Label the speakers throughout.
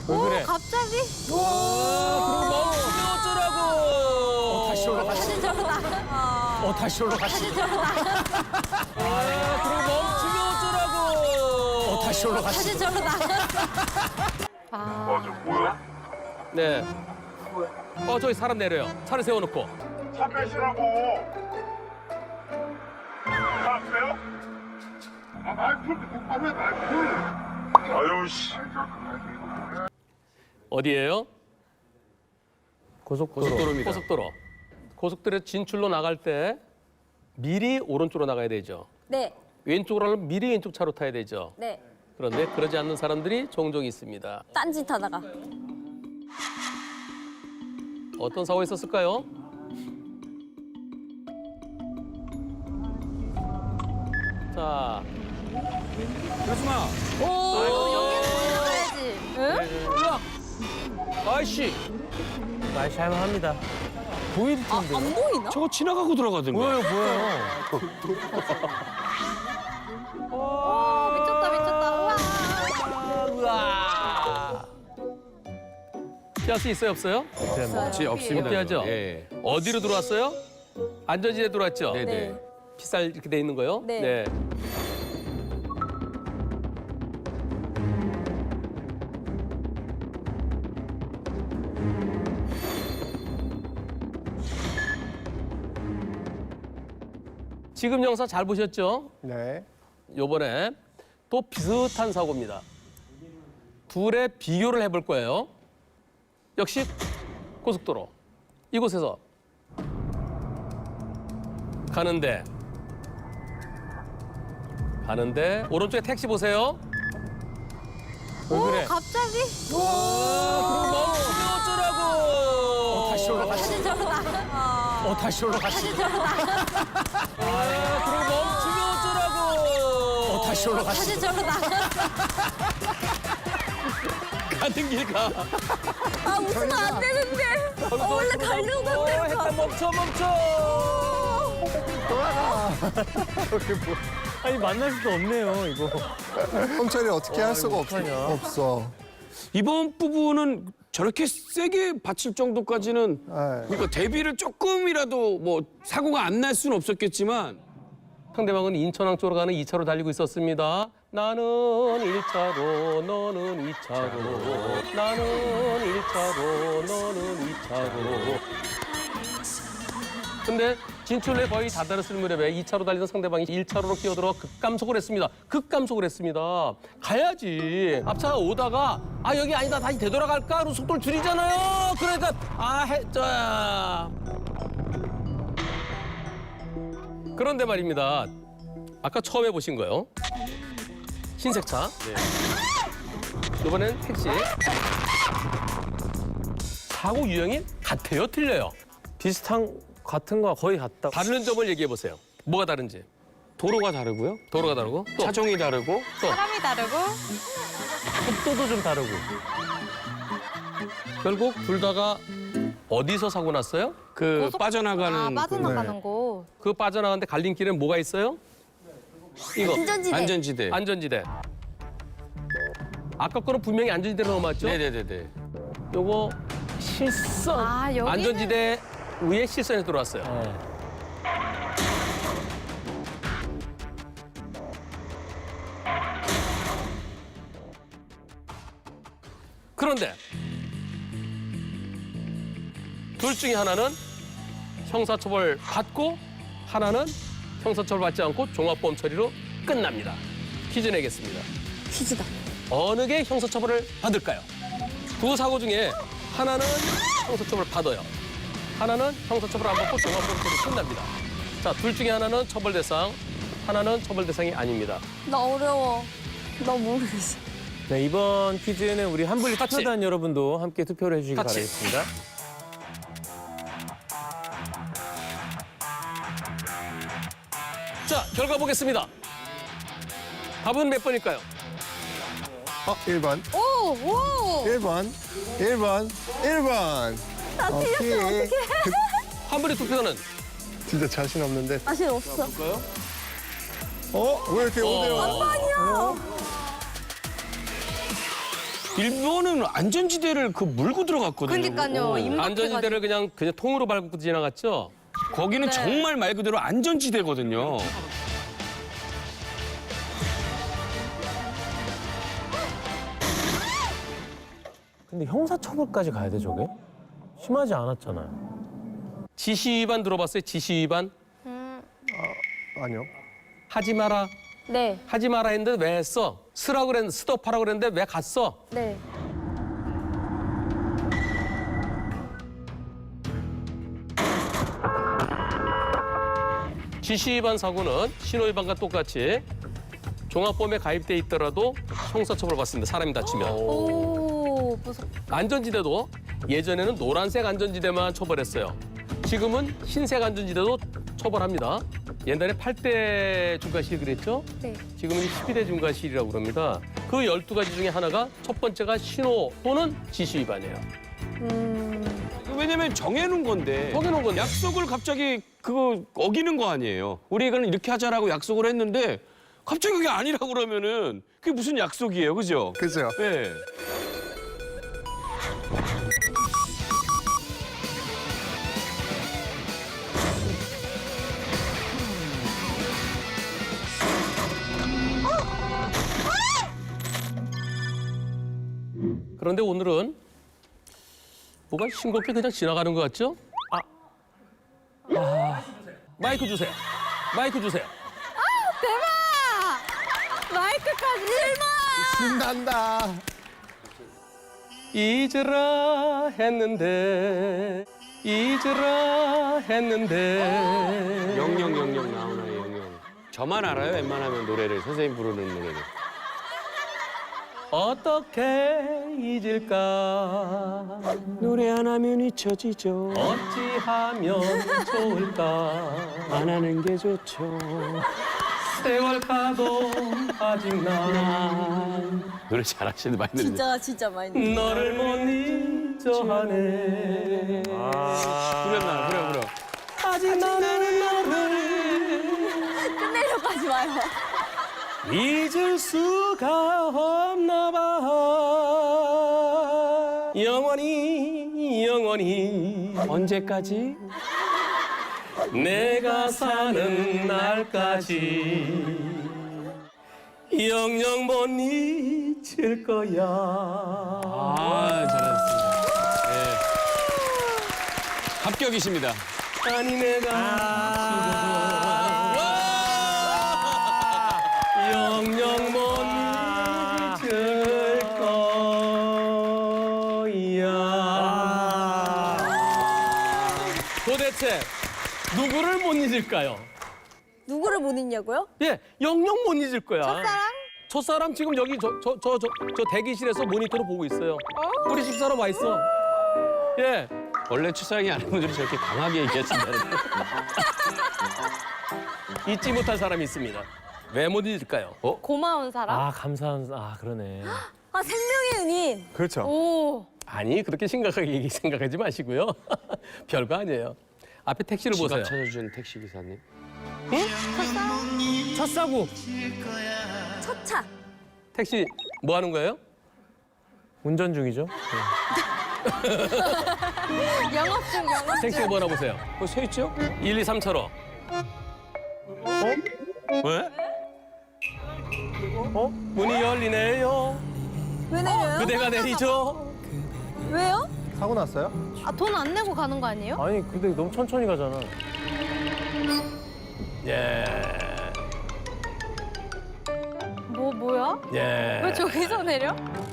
Speaker 1: 그래?
Speaker 2: 갑자기?
Speaker 3: 그리고 멈추면 어쩌라고.
Speaker 1: 다시 올라갔어.
Speaker 2: 다시 저로 나가.
Speaker 1: 다시 올라갔어.
Speaker 2: 다시 저로 나가.
Speaker 3: 그리고 멈추면 어쩌라고.
Speaker 1: 다시 올라갔어.
Speaker 2: 다시 저로 나가.
Speaker 4: 저 뭐야?
Speaker 3: 네. 저기 사람 내려요. 차를 세워놓고.
Speaker 4: 차 빼시라고. 차 빼요? 말풀 똑바로 해, 말풀. 아유, 씨.
Speaker 3: 어디예요?
Speaker 1: 고속도로입니다.
Speaker 3: 고속도로. 고속도로 진출로 나갈 때 미리 오른쪽으로 나가야 되죠.
Speaker 2: 네,
Speaker 3: 왼쪽으로 가려면 미리 왼쪽 차로 타야 되죠.
Speaker 2: 네.
Speaker 3: 그런데 그러지 않는 사람들이 종종 있습니다.
Speaker 2: 딴짓 하다가.
Speaker 3: 어떤 사고가 있었을까요? 자,
Speaker 1: 그러지 마.
Speaker 2: 여기는 올라가야지. 응?
Speaker 3: 아이씨.
Speaker 1: 날씨 할만합니다. 보일 텐데.
Speaker 2: 안 보이나?
Speaker 5: 저거 지나가고 들어가던데.
Speaker 1: 보여요.
Speaker 2: 미쳤다, 미쳤다. 우와.
Speaker 3: 우와. 피할 수 있어요, 없어요?
Speaker 5: 없습니다.
Speaker 3: 피하죠?
Speaker 5: 예.
Speaker 3: 어디로 들어왔어요? 안전지대 들어왔죠?
Speaker 5: 네네.
Speaker 2: 네.
Speaker 3: 피살 이렇게 돼 있는 거요?
Speaker 2: 네.
Speaker 3: 지금 영상 잘 보셨죠?
Speaker 1: 네.
Speaker 3: 요번에 또 비슷한 사고입니다. 둘의 비교를 해볼 거예요. 역시 고속도로. 이곳에서 가는데 오른쪽에 택시 보세요.
Speaker 1: 그래?
Speaker 2: 갑자기?
Speaker 3: 멈추면 어쩌라고.
Speaker 1: 다시 올라갔어.
Speaker 2: 다시 저로 나가.
Speaker 1: 다시 올라갔어.
Speaker 2: 다시 저로 나가.
Speaker 3: 그리고 멈추면 어쩌라고.
Speaker 1: 다시 올라갔어.
Speaker 2: 다시 저로 나가.
Speaker 3: 가는 길 가.
Speaker 2: 아, 웃으면 안 되는데. 원래 가려고 건데.
Speaker 3: 일단 멈춰.
Speaker 1: 아니 만날 수도 없네요 이거.
Speaker 6: 천천히 어떻게 할 수가 없어.
Speaker 5: 이번 부분은 저렇게 세게 받칠 정도까지는
Speaker 6: 네.
Speaker 5: 그러니까 대비를 조금이라도 뭐 사고가 안 날 수는 없었겠지만
Speaker 3: 상대방은 인천항 쪽으로 가는 2차로 달리고 있었습니다. 나는 1차로, 너는 2차로. 나는 1차로, 너는 2차로. 근데 진출에 거의 다다랐을 무렵에 2차로 달리던 상대방이 1차로로 끼어들어 급감속을 했습니다. 가야지. 앞차가 오다가 여기 아니다 다시 되돌아갈까? 하고 속도를 줄이잖아요. 그러니까 그런데 말입니다. 아까 처음에 보신 거요. 흰색 차. 이번엔 택시. 사고 유형이 같아요, 틀려요?
Speaker 1: 같은 거 거의 같다.
Speaker 3: 다른 점을 얘기해 보세요. 뭐가 다른지.
Speaker 5: 도로가 다르고요.
Speaker 3: 도로가 다르고 또
Speaker 5: 차종이 다르고
Speaker 2: 사람이 다르고.
Speaker 1: 속도도 좀 다르고.
Speaker 3: 결국 둘 다가 어디서 사고 났어요?
Speaker 5: 그 빠져나가는
Speaker 2: 빠져나가는 거.
Speaker 3: 그 빠져나가는데 갈림길에는 뭐가 있어요? 이거
Speaker 2: 안전지대.
Speaker 5: 안전지대.
Speaker 3: 안전지대. 아까 거는 분명히 안전지대로 넘어왔죠?
Speaker 5: 네네네네.
Speaker 3: 요거 실선.
Speaker 2: 여기는.
Speaker 3: 안전지대 위에 실선에 들어왔어요. 그런데 둘 중에 하나는 형사처벌 받고 하나는 형사처벌 받지 않고 종합보험 처리로 끝납니다. 퀴즈 내겠습니다.
Speaker 2: 퀴즈다.
Speaker 3: 어느 게 형사처벌을 받을까요? 두 사고 중에 하나는 형사처벌 받아요. 하나는 형사처벌 안 받고 종합보험 처리 끝납니다. 자, 둘 중에 하나는 처벌 대상, 하나는 처벌 대상이 아닙니다.
Speaker 2: 나 어려워. 나 모르겠어.
Speaker 1: 네, 이번 퀴즈에는 우리 한분리
Speaker 3: 같이.
Speaker 1: 투표단 여러분도 함께 투표를 해주시기
Speaker 3: 같이.
Speaker 1: 바라겠습니다.
Speaker 3: 자, 결과 보겠습니다. 답은 몇 번일까요?
Speaker 6: 1번,
Speaker 2: 오, 오.
Speaker 6: 1번, 1번, 1번.
Speaker 2: 나 틀렸어. 어떡해.
Speaker 3: 한분리 투표는
Speaker 6: 진짜 자신 없는데.
Speaker 2: 자신 없어.
Speaker 6: 왜 이렇게 5대5?
Speaker 2: 아니야.
Speaker 5: 일본은 안전지대를 그 물고 들어갔거든요.
Speaker 2: 그러니까요. 임박해가지고.
Speaker 3: 안전지대를 그냥 통으로 밟고 지나갔죠.
Speaker 5: 거기는
Speaker 2: 네.
Speaker 5: 정말 말 그대로 안전지대거든요.
Speaker 1: 근데 형사처벌까지 가야 돼 저게? 심하지 않았잖아요.
Speaker 3: 지시 위반 들어봤어요? 지시 위반?
Speaker 6: 아니요.
Speaker 3: 하지 마라.
Speaker 2: 네.
Speaker 3: 하지 마라 했는데 왜 했어? 쓰라고 그랬는데 스톱하라고 그랬는데 왜 갔어?
Speaker 2: 네.
Speaker 3: 지시 위반 사고는 신호 위반과 똑같이 종합범에 가입돼 있더라도 형사처벌 받습니다. 사람이 다치면.
Speaker 2: 오, 무섭.
Speaker 3: 안전지대도 예전에는 노란색 안전지대만 처벌했어요. 지금은 흰색 안전지대도 처벌합니다. 옛날에 8대 중과실 그랬죠?
Speaker 2: 네.
Speaker 3: 지금은 12대 중과실이라고 그럽니다. 그 12가지 중에 하나가 첫 번째가 신호 또는 지시 위반이에요.
Speaker 5: 왜냐면 정해놓은 건데.
Speaker 3: 정해놓은 건데.
Speaker 5: 약속을 갑자기 그거 어기는 거 아니에요. 우리 이거는 이렇게 하자라고 약속을 했는데 갑자기 그게 아니라고 그러면은 그게 무슨 약속이에요, 그죠?
Speaker 6: 그죠?
Speaker 5: 네.
Speaker 3: 그런데 오늘은 뭐가 싱겁게 그냥 지나가는 것 같죠? 마이크 주세요. 마이크 주세요.
Speaker 2: 대박! 마이크까지.
Speaker 6: 신난다.
Speaker 3: 잊으라 했는데 잊으라 했는데
Speaker 5: 영영영영 나오나요, 영영. 저만 알아요, 웬만하면 노래를, 선생님 부르는 노래를.
Speaker 3: 어떻게 잊을까
Speaker 5: 노래 안 하면 잊혀지죠.
Speaker 3: 어찌하면 좋을까
Speaker 5: 안 하는 게 좋죠.
Speaker 3: 세월 가도 아직 난
Speaker 5: 노래 잘하시는 많이 들리네.
Speaker 2: 진짜 많이.
Speaker 3: 너를 못 잊어하네
Speaker 5: 후렴.
Speaker 3: 아직 나는 너를
Speaker 2: 끝내려고 하지 마요.
Speaker 3: 잊을 수가 없나 봐 영원히
Speaker 5: 언제까지?
Speaker 3: 내가 사는 날까지 영영 못 잊을 거야
Speaker 5: 아, 잘하셨습니다. 네. 합격이십니다.
Speaker 3: 아니 내가 영영 못 잊을 거야. 도대체 누구를 못 잊을까요?
Speaker 2: 누구를 못 잊냐고요?
Speaker 3: 예, 영영 못 잊을 거야.
Speaker 2: 첫사랑?
Speaker 3: 첫사람 지금 여기 저 대기실에서 모니터로 보고 있어요. 우리 집사람 와 있어. 예,
Speaker 5: 원래 첫사랑이 아닌 분들이 저렇게 강하게 얘기하신다는데.
Speaker 3: 잊지 못할 사람이 있습니다. 왜 못 잊을까요?
Speaker 2: 고마운 사람?
Speaker 1: 아 감사한 그러네.
Speaker 2: 아, 생명의 은인.
Speaker 6: 그렇죠.
Speaker 2: 오.
Speaker 3: 아니 그렇게 심각하게 생각하지 마시고요. 별거 아니에요. 앞에 택시를
Speaker 5: 지갑
Speaker 3: 보세요.
Speaker 5: 찾아준 택시 기사님.
Speaker 1: 첫 사고.
Speaker 2: 첫 차.
Speaker 3: 택시 뭐 하는 거예요?
Speaker 1: 운전 중이죠.
Speaker 2: 영업 중.
Speaker 3: 택시가 뭐 하나 보세요.
Speaker 5: 그거 서 있죠?
Speaker 3: 1, 2, 3차로.
Speaker 5: 왜?
Speaker 3: 문이 열리네요.
Speaker 2: 왜 내려요?
Speaker 3: 그대가 내리죠.
Speaker 2: 왜요?
Speaker 6: 사고 났어요?
Speaker 2: 아, 돈 안 내고 가는 거 아니에요?
Speaker 1: 아니 근데 너무 천천히 가잖아.
Speaker 3: 예.
Speaker 2: 뭐야?
Speaker 3: 예.
Speaker 2: 왜 저기서 내려?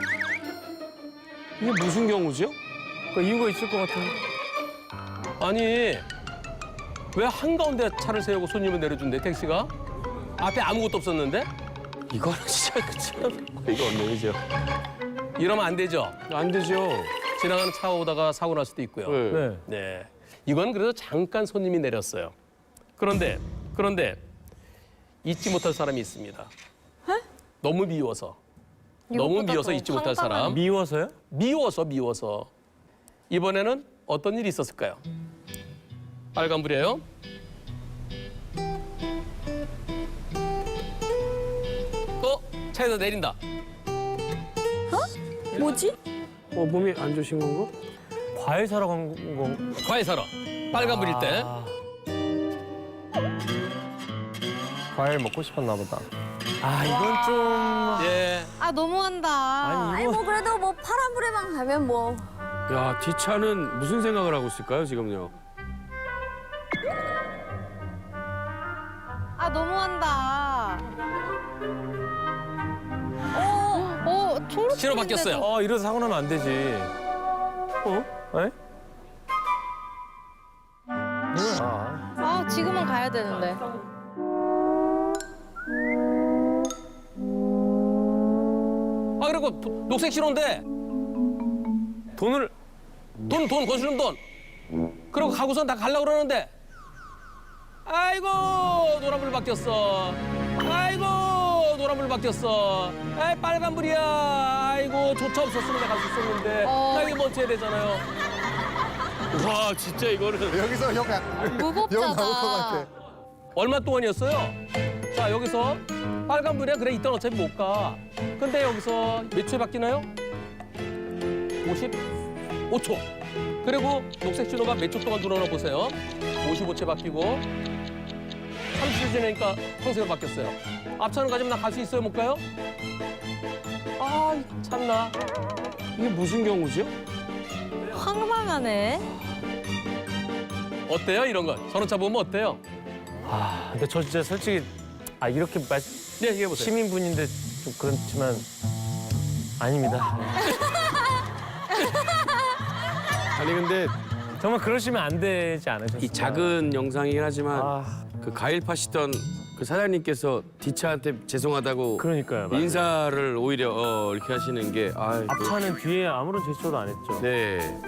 Speaker 5: 이게 무슨 경우죠?
Speaker 1: 그 이유가 있을 것 같은.
Speaker 3: 아니 왜 한가운데 차를 세우고 손님을 내려준대 택시가? 앞에 아무것도 없었는데?
Speaker 5: 이거는 진짜 참 이거 엉망이죠.
Speaker 3: 이러면 안 되죠.
Speaker 5: 안 되죠.
Speaker 3: 지나가는 차 오다가 사고 날 수도 있고요.
Speaker 5: 네.
Speaker 1: 네.
Speaker 3: 네. 이건 그래도 잠깐 손님이 내렸어요. 그런데 잊지 못할 사람이 있습니다. 너무 미워서. 너무
Speaker 2: 이것보다
Speaker 3: 미워서
Speaker 2: 더
Speaker 3: 잊지 못할
Speaker 2: 황당한-
Speaker 3: 사람.
Speaker 1: 미워서요?
Speaker 3: 미워서. 이번에는 어떤 일이 있었을까요? 빨간불이에요. 차에서 내린다.
Speaker 2: 뭐지?
Speaker 5: 몸이 안 좋으신 건가?
Speaker 1: 과일 사러 간 거.
Speaker 3: 과일 사러. 빨간불일 때.
Speaker 1: 과일 먹고 싶었나 보다. 아, 이건 좀.
Speaker 3: 예.
Speaker 2: 아 너무한다.
Speaker 1: 아니,
Speaker 2: 아니 뭐 그래도 뭐 파란불에만 가면 뭐.
Speaker 5: 야, 뒷차는 무슨 생각을 하고 있을까요, 지금요?
Speaker 2: 아 너무한다. 초록.
Speaker 3: 신호 바뀌었어요.
Speaker 1: 이래서 사고 나면 안 되지. 에? 뭐야?
Speaker 2: 아 지금은 가야 되는데.
Speaker 3: 아, 그리고 녹색 신호인데
Speaker 1: 돈을.
Speaker 3: 돈 건수는 돈. 그리고 가고선 다 가려고 그러는데 아이고 노란불 바뀌었어. 아이고 노란불 바뀌었어. 아이 빨간불이야. 아이고 조차 없었으면 내가 갈 수 있었는데 나 이거 멈춰야 되잖아요.
Speaker 5: 와, 진짜 이거는.
Speaker 6: 여기서 형 약간
Speaker 2: 무법자다.
Speaker 6: 형 나올 것 같아.
Speaker 3: 얼마 동안이었어요? 자 여기서 빨간불이야. 그래 이따 어차피 못 가. 근데 여기서 몇 초에 바뀌나요? 55초. 그리고 녹색 신호가 몇 초 동안 들어오나 보세요. 55초에 바뀌고 30초 지나니까 청색으로 바뀌었어요. 앞차는 가지면 나 갈 수 있어요? 못 가요? 아 참나.
Speaker 5: 이게 무슨 경우죠?
Speaker 2: 황당하네.
Speaker 3: 어때요 이런 거? 저런 차 보면 어때요?
Speaker 1: 아, 근데 저 진짜 솔직히 이렇게
Speaker 3: 네 얘기해보세요.
Speaker 1: 시민분인데 좀 그렇지만 아닙니다.
Speaker 5: 아니, 근데
Speaker 1: 정말 그러시면 안 되지 않으셨어요?
Speaker 5: 이 작은 영상이긴 하지만
Speaker 1: 아,
Speaker 5: 그 과일 파시던 그 사장님께서 뒷차한테 죄송하다고
Speaker 1: 그러니까요. 맞아요.
Speaker 5: 인사를 오히려 이렇게 하시는 게
Speaker 1: 앞차는 뒤에 아무런 제스처도 안 했죠.
Speaker 5: 네.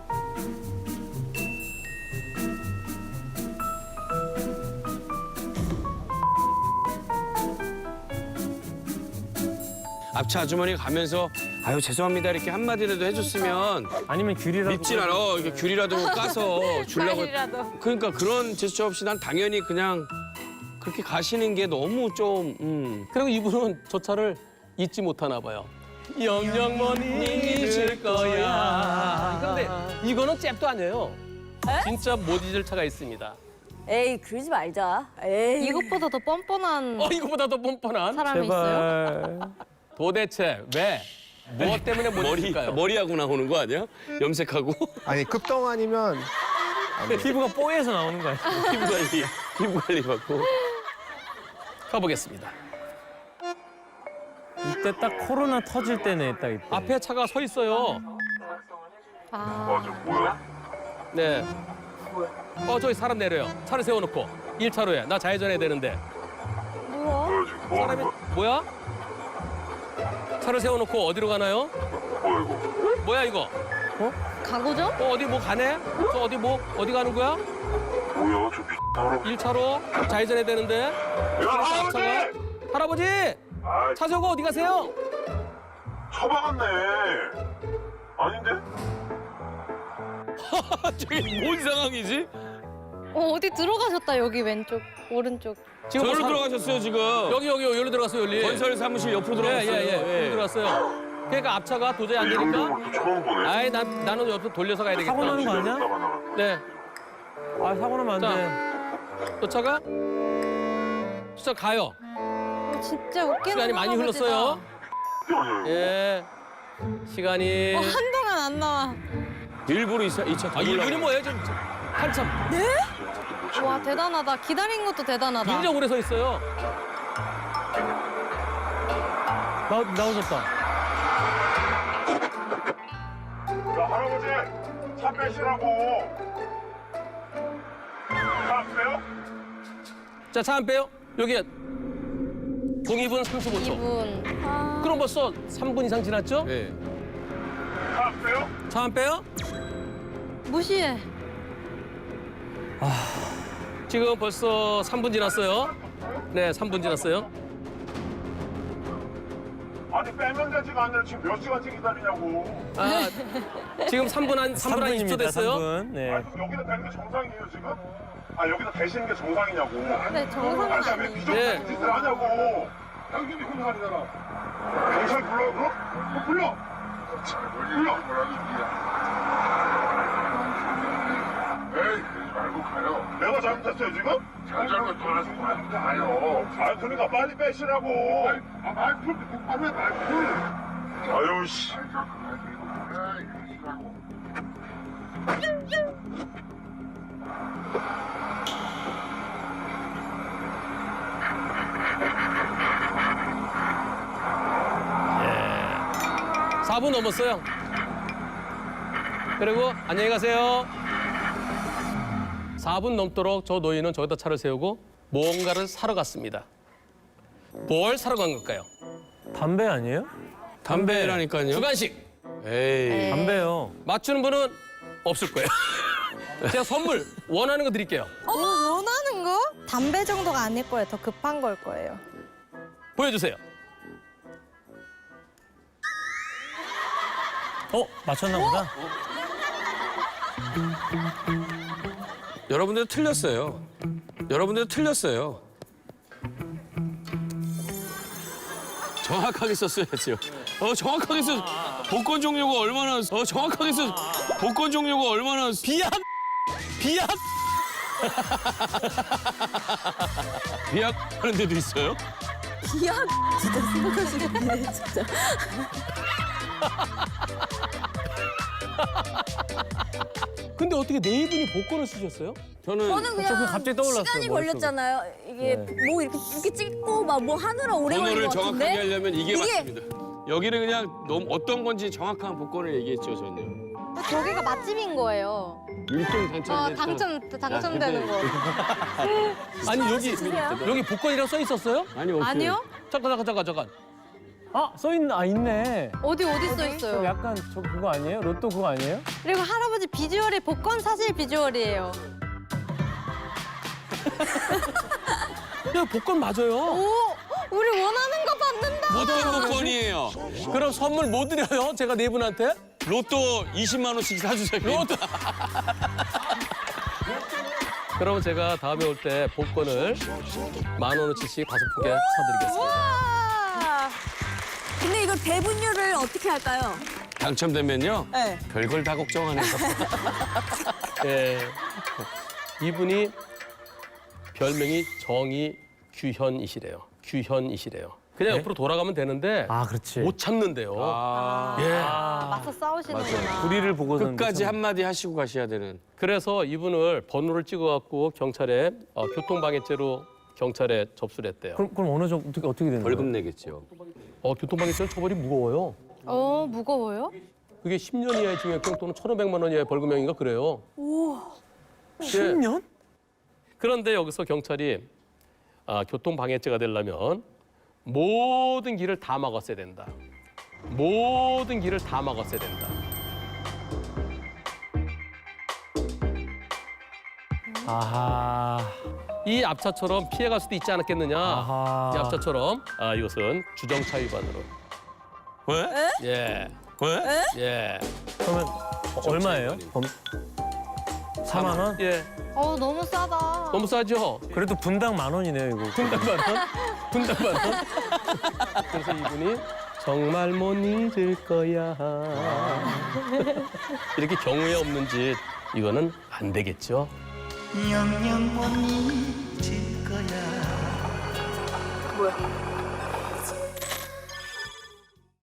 Speaker 5: 앞차 아주머니가 가면서 아유 죄송합니다 이렇게 한마디라도 해줬으면
Speaker 1: 아니면 귤이라도.
Speaker 5: 믿진 않아. 이렇게 귤이라도 까서 주려고.
Speaker 2: 과일이라도.
Speaker 5: 그러니까 그런 제스처 없이 난 당연히 그냥 그렇게 가시는 게 너무 좀.
Speaker 3: 그리고 이분은 저 차를 잊지 못하나 봐요. 영영 못 잊을 거야. 근데 이거는 잽도 아니에요. 진짜 못 잊을 차가 있습니다.
Speaker 2: 에이 그러지 말자. 에이. 이것보다 더 뻔뻔한
Speaker 3: 이거보다 더 뻔뻔한.
Speaker 2: 사람이 있어요?
Speaker 1: 제발.
Speaker 3: 도대체 왜? 무엇 때문에 못 잊을까요?
Speaker 5: 머리하고 나오는 거 아니야? 염색하고
Speaker 6: 아니 급동 아니면
Speaker 1: 피부가 뽀얘서 나오는 거 아니에요?
Speaker 5: 피부 관리 받고.
Speaker 3: 가보겠습니다.
Speaker 1: 이때 딱 코로나 터질 때네, 딱 이때.
Speaker 3: 앞에 차가 서 있어요.
Speaker 4: 맞아, 뭐야?
Speaker 3: 네. 저기 사람 내려요. 차를 세워놓고 1차로에 나 좌회전해야 되는데
Speaker 4: 뭐야, 지금 뭐 하는
Speaker 3: 사람이
Speaker 4: 거야?
Speaker 3: 뭐야? 차를 세워놓고 어디로 가나요?
Speaker 4: 뭐야, 이거?
Speaker 3: 뭐야 이거?
Speaker 2: 가구점?
Speaker 3: 어디 뭐 가네? 저 어디 가는 거야?
Speaker 4: 뭐야, 저 미친놈.
Speaker 3: 1차로 좌회전해야 되는데
Speaker 4: 야, 할아버지!
Speaker 3: 할아버지!
Speaker 4: 아,
Speaker 3: 차 세우고 어디 가세요?
Speaker 4: 처박았네. 아닌데?
Speaker 5: 저게 뭔 상황이지?
Speaker 2: 어디 들어가셨다 여기 왼쪽 오른쪽.
Speaker 3: 지금
Speaker 5: 저기로
Speaker 3: 뭐
Speaker 5: 들어가셨어요 지금.
Speaker 3: 여기로 들어갔어요 여기.
Speaker 5: 건설 사무실 옆으로 들어갔어요.
Speaker 3: 여기 들어갔어요. 그러니까 앞차가 도저히 안
Speaker 4: 이런
Speaker 3: 되니까
Speaker 4: 경우는 또 처음 보네.
Speaker 3: 아이 나는 옆으로 돌려서 가야 되겠다.
Speaker 1: 사고 나는 거 아니야?
Speaker 4: 나가, 나가.
Speaker 3: 네.
Speaker 1: 아, 사고 나면 안
Speaker 3: 자.
Speaker 1: 돼.
Speaker 3: 저 차가 진짜 가요.
Speaker 2: 진짜 웃기는
Speaker 3: 시간이 많이 흘렀어요.
Speaker 4: 야,
Speaker 3: 예. 시간이
Speaker 2: 한동안 안 나와.
Speaker 5: 일부러 이차
Speaker 3: 이분이 뭐예요? 좀 한참
Speaker 2: 와 대단하다. 기다린 것도 대단하다.
Speaker 3: 굉장히 오래 서 있어요.
Speaker 1: 나오셨다.
Speaker 4: 야, 할아버지! 차 빼시라고! 차 안 빼요?
Speaker 3: 자, 차 안 빼요? 여기 02분 35초.
Speaker 2: 이분.
Speaker 3: 그럼 벌써 3분 이상 지났죠?
Speaker 5: 네.
Speaker 4: 차 안 빼요?
Speaker 3: 차 안 빼요?
Speaker 2: 무시해.
Speaker 3: 지금 벌써 3분 지났어요. 네, 3분 지났어요.
Speaker 4: 아니, 빼면 되지가 아니라 지금 몇 시간째 기다리냐고.
Speaker 3: 아, 지금 3분 한 20초 됐어요.
Speaker 1: 3분. 네.
Speaker 4: 아, 그럼 여기다 대는 게 정상이에요, 지금? 아, 여기다 대시는 게 정상이냐고.
Speaker 2: 네 정상은
Speaker 4: 아니, 왜
Speaker 2: 아니.
Speaker 4: 비정상
Speaker 3: 네.
Speaker 4: 짓을 하냐고. 당신이 혼날이잖아. 경찰 불러요, 그럼? 불러! 에이, 그러지 말고 가요. 내가 잘못했어요, 지금? 잘못 돌아서 가요. 아, 그러니까 빨리 빼시라고. 말풀 똑바로 해, 말풀. 아유, 씨.
Speaker 3: 예. 4분 넘었어요. 그리고 안녕히 가세요. 4분 넘도록 저 노인은 저기다 차를 세우고 뭔가를 사러 갔습니다. 뭘 사러 간 걸까요?
Speaker 1: 담배 아니에요?
Speaker 5: 담배라니까요.
Speaker 3: 주간식.
Speaker 5: 에이.
Speaker 1: 담배요.
Speaker 3: 맞추는 분은 없을 거예요. 제가 선물 원하는 거 드릴게요.
Speaker 2: 원하는 거? 담배 정도가 아닐 거예요. 더 급한 걸 거예요.
Speaker 3: 보여주세요.
Speaker 1: 맞췄나 보다.
Speaker 5: 여러분들 틀렸어요. 여러분들 틀렸어요. 정확하게 썼어야죠. 정확하게 썼. 복권 종류가 얼마나? 정확하게 썼. 복권 종류가 얼마나?
Speaker 3: 비약! 비약!
Speaker 5: 비약 하는 데도 있어요?
Speaker 2: 비약 진짜 생각하시겠네 진짜.
Speaker 3: 근데 어떻게 네 분이 복권을 쓰셨어요?
Speaker 5: 저는
Speaker 2: 저는 그냥
Speaker 1: 갑자기 떠올랐어요,
Speaker 2: 시간이
Speaker 1: 머릿속에.
Speaker 2: 걸렸잖아요. 이게 뭐 이렇게 찍고 막 뭐 하느라 오래 걸린
Speaker 5: 번호를
Speaker 2: 것
Speaker 5: 정확하게
Speaker 2: 같은데.
Speaker 5: 하려면 이게 맞습니다. 여기는 그냥 너무 어떤 건지 정확한 복권을 얘기했죠, 저는.
Speaker 2: 저기가 맛집인 거예요.
Speaker 5: 1등
Speaker 2: 당첨되는 거.
Speaker 3: 아니 여기 복권이라고 써 있었어요?
Speaker 5: 아니 없어요.
Speaker 2: 아니요?
Speaker 3: 잠깐.
Speaker 1: 있네.
Speaker 2: 어디 써
Speaker 1: 저
Speaker 2: 있어요?
Speaker 1: 약간 그거 아니에요? 로또 그거 아니에요?
Speaker 2: 그리고 할아버지 비주얼이 복권 사실 비주얼이에요.
Speaker 3: 네, 복권 맞아요.
Speaker 2: 오, 우리 원하는 거 받는다.
Speaker 5: 어떤 복권이에요?
Speaker 3: 그럼 선물 뭐 드려요? 제가 네 분한테?
Speaker 5: 로또 20만 원씩 사주세요.
Speaker 3: 로또. 그럼 제가 다음에 올 때 복권을 10,000원어치씩 5개 사드리겠습니다.
Speaker 2: 와. 근데 이거 배분율을 어떻게 할까요?
Speaker 5: 당첨되면요.
Speaker 2: 네.
Speaker 5: 별걸 다 걱정하네요.
Speaker 3: 예. 이분이 별명이 정의규현이시래요. 규현이시래요. 그냥 옆으로 돌아가면 되는데
Speaker 1: 그렇지.
Speaker 3: 못 참는데요. 예.
Speaker 2: 맞서 싸우시는구나.
Speaker 1: 우리를 보고서는
Speaker 5: 끝까지 한마디 하시고 가셔야 되는.
Speaker 3: 그래서 이분을 번호를 찍어갖고 경찰에 교통방해죄로 경찰에 접수를 했대요.
Speaker 1: 그럼 어느 정도 어떻게 되는
Speaker 5: 벌금
Speaker 1: 거예요?
Speaker 5: 내겠죠.
Speaker 3: 교통방해죄는 처벌이 무거워요.
Speaker 2: 무거워요?
Speaker 3: 그게 10년 이하의 징역형 또는 1,500만 원 이하의 벌금형인가 그래요.
Speaker 2: 우와.
Speaker 1: 10년?
Speaker 3: 그런데 여기서 경찰이 교통방해죄가 되려면 모든 길을 다 막았어야 된다. 모든 길을 다 막았어야 된다.
Speaker 1: 아하.
Speaker 3: 이 앞차처럼 피해갈 수도 있지 않았겠느냐.
Speaker 1: 아하.
Speaker 3: 이 앞차처럼 이것은 주정차 위반으로.
Speaker 5: 왜?
Speaker 3: 예.
Speaker 5: 왜?
Speaker 3: 예.
Speaker 1: 그러면 얼마예요? 4만 원?
Speaker 3: 예.
Speaker 2: 너무 싸다.
Speaker 3: 너무 싸죠?
Speaker 1: 그래도 분당 10,000원이네요, 이거.
Speaker 3: 분당 만 원? 분당 만 원? 그래서 이분이 정말 못 잊을 거야. 이렇게 경우에 없는 짓 이거는 안 되겠죠?
Speaker 7: 영영 못 잊을 거야.
Speaker 2: 뭐야?